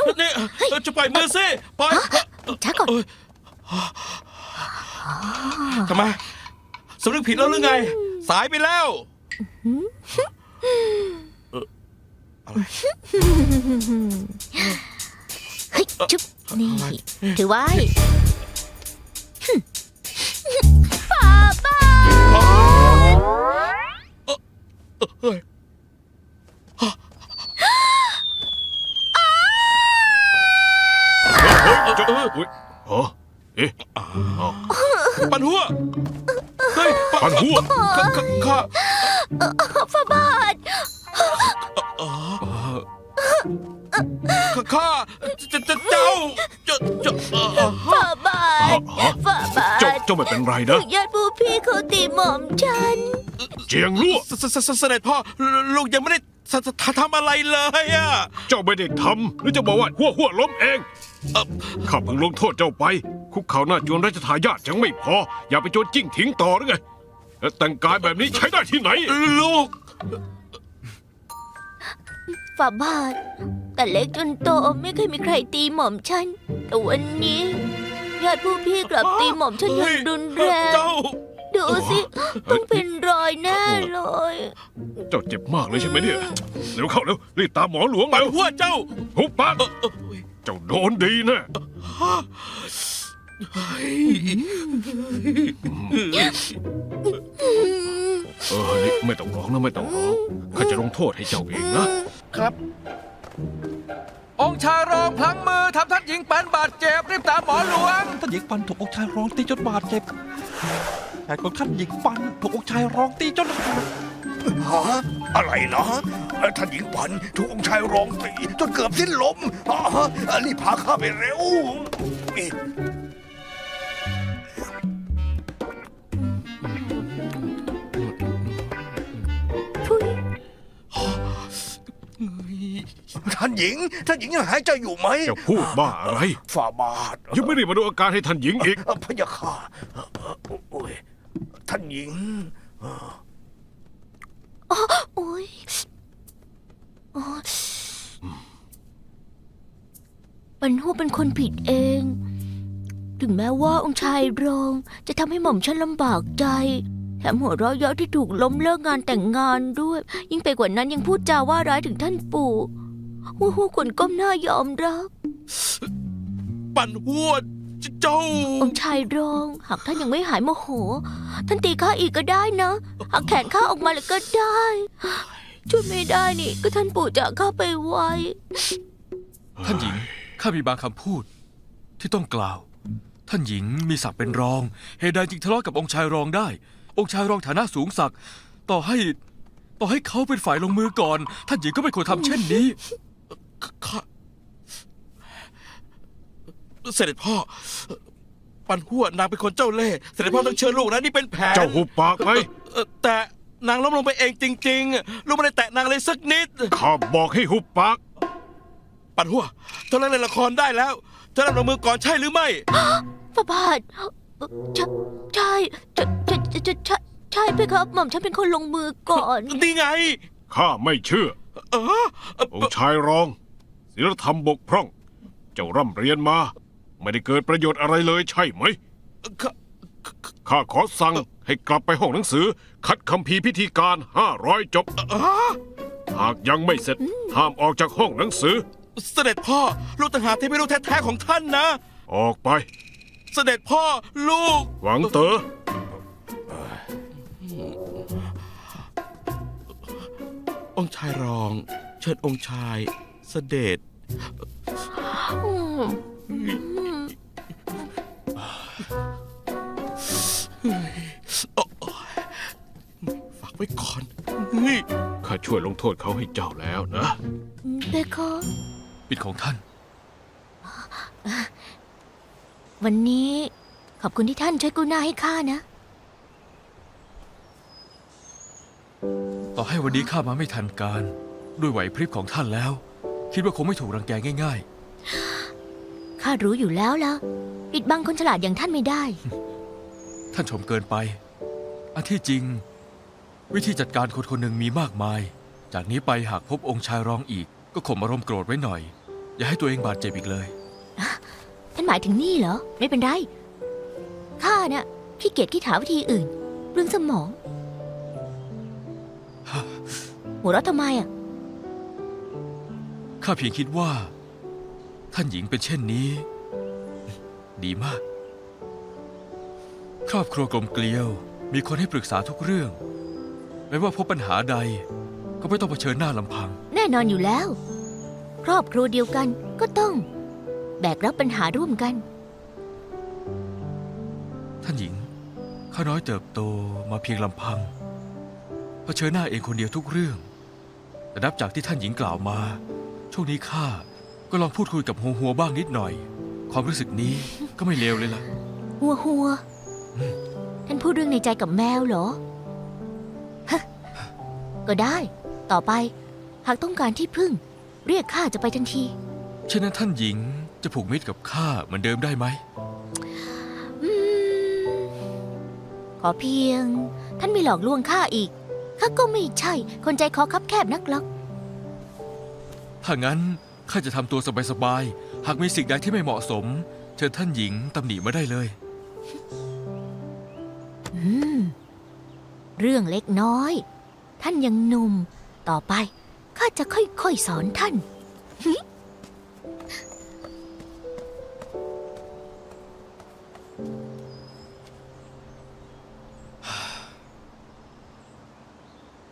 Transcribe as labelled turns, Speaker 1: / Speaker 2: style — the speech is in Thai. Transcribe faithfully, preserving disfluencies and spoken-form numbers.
Speaker 1: นี่จะปล่อยมือสิปล่อย
Speaker 2: ช้าก่อน
Speaker 1: ทำไมสำนึกผิดแล้วหรือไง สายไปแล้วอะไร
Speaker 2: เฮ้ยจุ๊บนี่ถือไว้ป้าป้า
Speaker 1: เฮ้ยเฮ้ย
Speaker 3: อ๋อเอ๊ะ
Speaker 1: ปันหัวเฮ้ย
Speaker 3: ปันหัว
Speaker 1: ข้าข้า
Speaker 2: ฟ้าบาท
Speaker 1: ข้าจะจะเจ้าจะจะ
Speaker 2: ฟ้าบาทฟ้าบา
Speaker 3: เจ้า
Speaker 2: ท
Speaker 3: เจ้าไม่เป็นไรนะ
Speaker 2: ญาติผู้พี่เขาตีหม่อมฉัน
Speaker 3: เจียงลั่ว
Speaker 1: เสด็จพ่อลูกยังไม่ได้ทำอะไรเลยอ่ะ
Speaker 3: เจ้าไม่ได้ทำหรือจะบอกว่าหัวหัวล้มเองข้าเพิ่งลงโทษเจ้าไป คุกเข่าหน้าจวนราชทายาทยังไม่พอ อย่าไปโจรจิ้งทิ้งต่อหรือไงแต่งกายแบบนี้ใช้ได้ที่ไหน
Speaker 1: ลูก
Speaker 2: ฝ่าบาทแต่เล็กจนโตไม่เคยมีใครตีหม่อมฉันแต่วันนี้ญาติผู้พี่กลับตีหม่อมฉันอย่างรุนแรง
Speaker 1: เจ้า
Speaker 2: ดูสิต้องเป็นรอยแน่เลย
Speaker 3: เจ้าเจ็บมากเลยใช่ไหมเนี่ยเร็วเข้าเร็วรีบตามหมอหลวง
Speaker 1: ปัน
Speaker 3: เร็ว
Speaker 1: หัวเจ้า
Speaker 3: หุบปากเจ้าโดนดีแน่เออนี่ไม่ต้องร้องนะไม่ต้องร้องข้าจะลงโทษให้เจ้าเองนะ
Speaker 4: ครับ องค์ชายรองพลั้งมือทำท่านหญิงปันบาดเจ็บรีบตามหมอหลวง
Speaker 5: ท่านหญิงปันถูกองค์ชายร้องตีจนบาดเจ็บแต่ของท่านหญิงปันถูกองค์ชายร้องตีจนขาด
Speaker 6: ฮะอะไรนะเอ่อท่านหญิงปันถูกองค์ชายร้องตีจนเกือบสิ้นลมฮะอ่ะรีบพาข้าไปเร็วนี่
Speaker 2: ทุย
Speaker 6: ท่านหญิง ท่านหญิงยังหายใจอยู่ไหม
Speaker 3: เจ้าพูดบ้าอะไร
Speaker 6: ฝ่าบาท
Speaker 3: ยังไม่ได้มาดูอาการให้ท่านหญิงอีก
Speaker 6: เอ่อพะยาค่ะเอ่อเอ่อโอ้ยท่านหญิง
Speaker 2: โอ้ยโอ้ยปันหัวเป็นคนผิดเอง ถึงแม้ว่าองค์ชายรองจะทำให้หม่อมฉันลำบากใจ แถมหัวเราะเยาะที่ถูกล้มเลิกงานแต่งงานด้วย ยิ่งไปกว่านั้นยังพูดจาว่าร้ายถึงท่านปู่หัวหัวควรก้มหน้ายอมรับ
Speaker 1: ปันหัวเจ้า
Speaker 2: องค์ชายรองหากท่านยังไม่หายโมโห ท่านตีข้าอีกก็ได้นะหากแขนข้าออกมาเลยก็ได้ช่วยไม่ได้นี่ก็ท่านปู่จากข้าไปไว
Speaker 4: ท่านหญิงข้ามีบางคำพูด ที่ต้องกล่าว ท่านหญิงมีศักดิ์เป็นรองเหตุใดจึงทะเลาะกับองค์ชายรองได้ องค์ชายรองฐานะสูงศักดิ์ต่อให้ ต่อให้เขาเป็นฝ่ายลงมือก่อน ท่านหญิงก็ไม่ควรทำเช่นนี้
Speaker 1: ข้าเสด็จพ่อ ปันหัวนางเป็นคนเจ้าเล่ห์เสด็จพ่อต้องเชิญลูกนะนี่เป็นแผน
Speaker 3: เจ้าหุบปากไหม
Speaker 1: เอ่อแต่นางล้มลงไปเองจริงๆ ลูกไม่ได้แตะนางเลยสักนิด
Speaker 3: ข้าบอกให้หุบปาก
Speaker 1: ปันหัวเธอเล่นละครได้แล้วเธอเล่นลงมือก่อนใช่หรือไม่
Speaker 2: พระบาทใช่ใช่ใช่ใช่ใช่ใช่ใช่ไปครับหม่อมฉันเป็นคนลงมือก่อน
Speaker 1: นี่ไง
Speaker 3: ข้าไม่เชื่อ
Speaker 1: เออเอ่อ
Speaker 3: องค์ชายรองศีลธรรมบกพร่อง เจ้าร่ำเรียนมา ไม่ได้เกิดประโยชน์อะไรเลยใช่ไหม
Speaker 1: ข้า
Speaker 3: ข้าขอสั่งให้กลับไปห้องหนังสือ คัดคัมภีร์พิธีการห้าร้อยจบ
Speaker 1: อ๋อ
Speaker 3: หากยังไม่เสร็จ ห้ามออกจากห้องหนังสือ
Speaker 1: เสด็จพ่อ ลูกต่างหากที่ไม่รู้แท้ๆของท่านนะ
Speaker 3: ออกไป
Speaker 1: เสด็จพ่อลูก
Speaker 3: หวังเต๋อ
Speaker 1: องค์ชายรอง เชิญองค์ชาย เสด็จ
Speaker 2: อืม
Speaker 1: ฝากไว้ก่อนเฮ้ย
Speaker 3: ข้าช่วยลงโทษเขาให้เจ้าแล้วนะ
Speaker 2: เบคอ
Speaker 4: ปิดของท่าน
Speaker 2: วันนี้ขอบคุณที่ท่านช่วยกู้หน้าให้ข้านะ
Speaker 4: ต่อให้วันนี้ข้ามาไม่ทันการ ด้วยไหวพริบของท่านแล้ว คิดว่าคงไม่ถูกรังแกง่าย
Speaker 2: ข้ารู้อยู่แล้วล่ะ ปิดบังคนฉลาดอย่างท่านไม่ได้
Speaker 4: ๆ ท่านชมเกินไป อันที่จริง วิธีจัดการคนคนหนึ่งมีมากมาย จากนี้ไปหากพบองค์ชายรองอีก ก็ข่มอารมณ์โกรธไว้หน่อยอย่าให้ตัวเองบาดเจ็บอีกเลย
Speaker 2: ท่านหมายถึงนี่เหรอ ไม่เป็นไร ข้าเนี่ยขี้เกียจคิดหาวิธีอื่น เรื่องสมอง หัวเราะทำไมอ่ะ
Speaker 4: ข้าเพียงคิดว่า ท่านหญิงเป็นเช่นนี้ ดีมาก ครอบครัวกลมเกลียว มีคนให้ปรึกษาทุกเรื่อง ไม่ว่าพบปัญหาใด ก็ไม่ต้องเผชิญหน้าลำพัง
Speaker 2: แน่นอนอยู่แล้ว ครอบครัวเดียวกันก็ต้อง แบกรับปัญหาร่วมกัน
Speaker 4: ท่านหญิง ข้าน้อยเติบโตมาเพียงลำพัง เผชิญหน้าเองคนเดียวทุกเรื่อง แต่นับจากที่ท่านหญิงกล่าวมา ช่วงนี้ข้าก็ลองพูดคุยกับหัวหัวบ้างนิดหน่อย ความรู้สึกนี้ก็ไม่เลวเลยล่ะ
Speaker 2: หัวหัว
Speaker 4: อืม
Speaker 2: ท่านพูดเรื่องในใจกับแมวเหรอฮะก็ได้ ต่อไป หากต้องการที่พึ่ง เรียกข้าจะไปทันที
Speaker 4: เช่นนั้นท่านหญิงจะผูกมิตรกับข้าเหมือนเดิมได้ไหม
Speaker 2: อืม ขอเพียง ท่านไม่หลอกลวงข้าอีก ข้าก็ไม่ใช่ คนใจคอคับแคบนักหรอก
Speaker 4: ถ้างั้นข้าจะทำตัวสบายๆ หากมีสิ่งใดที่ไม่เหมาะสม เชิญท่านหญิงตำหนิมาได้เลย
Speaker 2: อืม เรื่องเล็กน้อย ท่านยังหนุ่ม ต่อไป ข้าจะค่อยๆสอนท่าน